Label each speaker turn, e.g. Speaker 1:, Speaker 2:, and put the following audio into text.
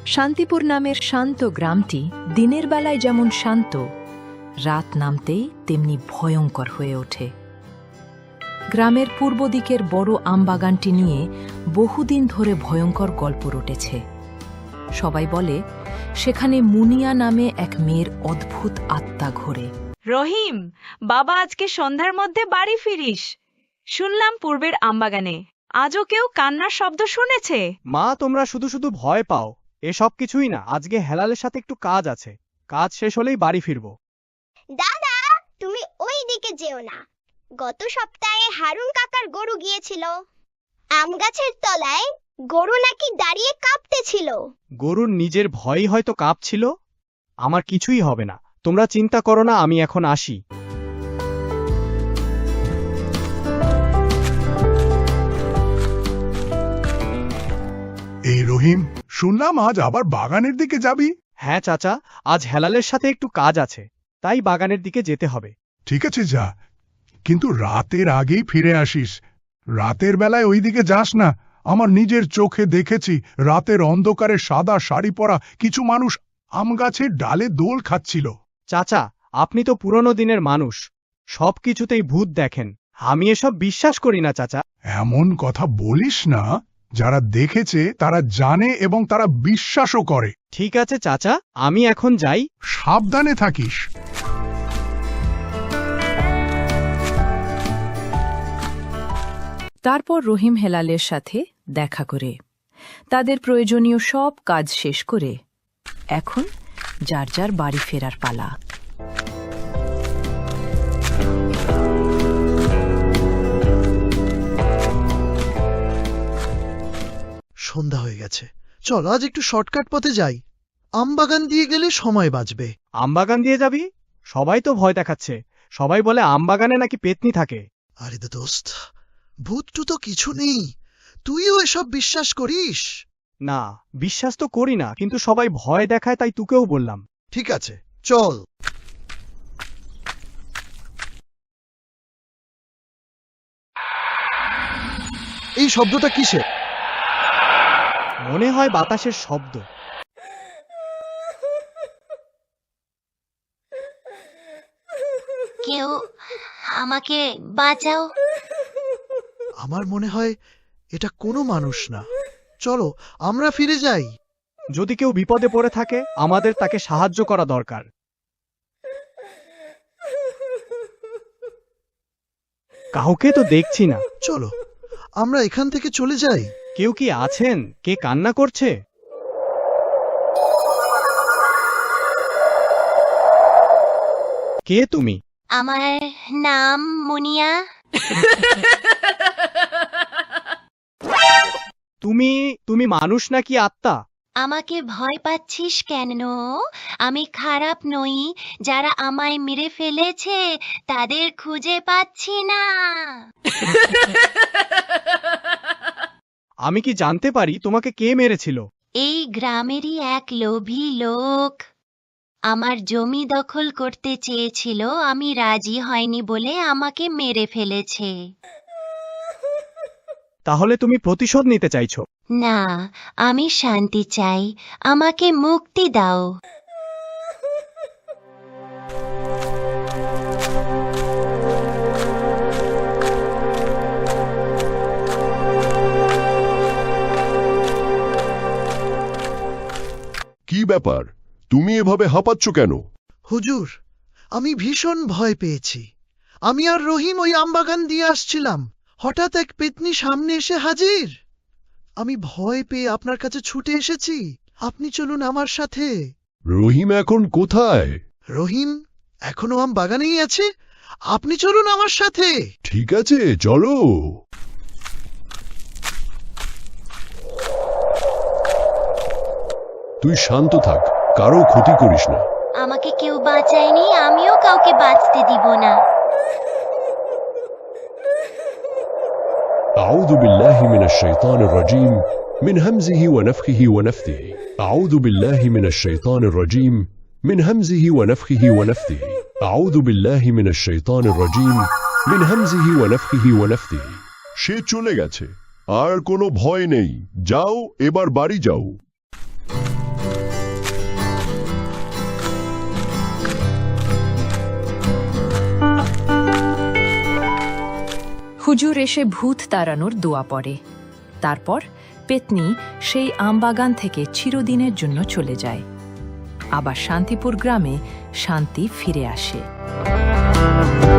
Speaker 1: শান্তিপুর নামের শান্ত গ্রামটি দিনের বেলায় যেমন শান্ত, রাত নামতেই তেমনি ভয়ঙ্কর হয়ে ওঠে। গ্রামের পূর্ব দিকের বড় আমবাগানটি নিয়ে বহুদিন ধরে ভয়ঙ্কর গল্প রটেছে। সবাই বলে সেখানে মুনিয়া নামে এক মেয়ের অদ্ভুত আত্মা ঘোরে।
Speaker 2: রহিম, বাবা আজকে সন্ধ্যার মধ্যে বাড়ি ফিরিস। শুনলাম পূর্বের আমবাগানে আজও কেউ কান্নার শব্দ শুনেছে।
Speaker 3: মা, তোমরা শুধু শুধু ভয় পাও, এসব কিছুই না। আজকে হেলালের সাথে একটু কাজ আছে, কাজ শেষ হলেই বাড়ি ফিরবো।
Speaker 4: দাদা, তুমি ওই দিকে যেও না। গত সপ্তাহে হারুন কাকার গরু গিয়েছিল। আম গাছের তলায় গরু নাকি দাঁড়িয়ে কাঁপতেছিল।
Speaker 3: গরুর নিজের ভয়ই হয়তো কাঁপছিল। আমার কিছুই হবে না, তোমরা চিন্তা করো না, আমি এখন আসি।
Speaker 5: এই রহিম, শুনলাম আজ আবার বাগানের দিকে যাবি।
Speaker 3: হ্যাঁ চাচা, আজ হেলালের সাথে একটু কাজ আছে, তাই বাগানের দিকে যেতে হবে।
Speaker 5: ঠিক আছে, যা, কিন্তু রাতের আগেই ফিরে আসিস। রাতের বেলায় ওই দিকে যাস না। আমার নিজের চোখে দেখেছি রাতের অন্ধকারে সাদা শাড়ি পরা কিছু মানুষ আম গাছের ডালে দোল খাচ্ছিল।
Speaker 3: চাচা, আপনি তো পুরনো দিনের মানুষ, সব কিছুতেই ভূত দেখেন। আমি এসব বিশ্বাস করি না চাচা।
Speaker 5: এমন কথা বলিস না। যারা দেখেছে তারা জানে এবং তারা বিশ্বাসও করে।
Speaker 3: ঠিক আছে চাচা, আমি এখন যাই।
Speaker 5: সাবধানে থাকিস।
Speaker 1: তারপর রহিম হেলালের সাথে দেখা করে তাদের প্রয়োজনীয় সব কাজ শেষ করে এখন যার যার বাড়ি ফেরার পালা।
Speaker 6: সন্ধ্যা হয়ে গেছে, চল আজ একটু শর্টকাট পথে যাই। আমবাগান দিয়ে গেলে সময় বাঁচবে।
Speaker 3: আমবাগান দিয়ে যাবি? সবাই তো ভয় দেখাচ্ছে। সবাই বলে আমবাগানে নাকি পেতনি থাকে।
Speaker 6: আরে দোস্ত, ভূতটু তো কিছু নেই, তুইও এসব বিশ্বাস করিস?
Speaker 3: না, বিশ্বাস তো করি না, কিন্তু সবাই ভয় দেখায় তাই তোকেও বললাম।
Speaker 6: ঠিক আছে, চল। এই শব্দটা কিসের?
Speaker 3: মনে হয় বাতাসের শব্দ।
Speaker 4: কেউ আমাকে বাঁচাও।
Speaker 6: আমার মনে হয় এটা কোনো মানুষ না। চলো আমরা ফিরে যাই।
Speaker 3: যদি কেউ বিপদে পড়ে থাকে, আমাদের তাকে সাহায্য করা দরকার। কাউকে তো দেখছি না।
Speaker 6: চলো আমরা এখান থেকে চলে যাই।
Speaker 3: কেউ কি আছেন? কে কান্না করছে? কে তুমি?
Speaker 4: আমার নাম মুনিয়া।
Speaker 3: তুমি মানুষ নাকি আত্মা?
Speaker 4: আমাকে ভয় পাচ্ছিস কেন? আমি খারাপ নই। যারা আমায় মেরে ফেলেছে তাদের খুঁজে পাচ্ছি না।
Speaker 3: আমি কি জানতে পারি তোমাকে কে মেরেছিল?
Speaker 4: এই গ্রামেরই এক লোভী লোক আমার জমি দখল করতে চেয়েছিল। আমি রাজি হয়নি বলে আমাকে মেরে ফেলেছে।
Speaker 3: তাহলে তুমি প্রতিশোধ নিতে চাইছো?
Speaker 4: না, আমি শান্তি চাই। আমাকে মুক্তি দাও।
Speaker 7: কি ব্যাপার, তুমি এভাবে হাঁপাচ্ছ কেন?
Speaker 6: হুজুর, আমি ভীষণ ভয় পেয়েছি। আমি আর রহিম ওই আমবাগান দিয়ে আসছিলাম, হঠাৎ এক পেতনি সামনে এসে হাজির। আমি ভয় পেয়ে আপনার কাছে ছুটে এসেছি। আপনি চলুন আমার সাথে।
Speaker 7: রহিম এখন কোথায়?
Speaker 6: রহিম এখনো আমবাগানেই আছে। আপনি চলুন আমার সাথে।
Speaker 7: ঠিক আছে, চলো। তুই শান্ত থাক, কারো ক্ষতি করিস না।
Speaker 4: আমাকে কেউ বাঁচায়নি, আমিও কাউকে বাঁচতে দিব না।
Speaker 7: أعوذ بالله من الشيطان الرجيم من همزه ونفخه ونفثه. أعوذ بالله من الشيطان الرجيم من همزه ونفخه ونفثه. أعوذ بالله من الشيطان الرجيم من همزه ونفخه ونفثه. সে চলে গেছে, আর কোনো ভয় নেই। যাও, এবার বাড়ি যাও।
Speaker 1: হুজুর এসে ভূত তাড়ানোর দোয়া পড়ে। তারপর পেতনি সেই আমবাগান থেকে চিরদিনের জন্য চলে যায়। আবার শান্তিপুর গ্রামে শান্তি ফিরে আসে।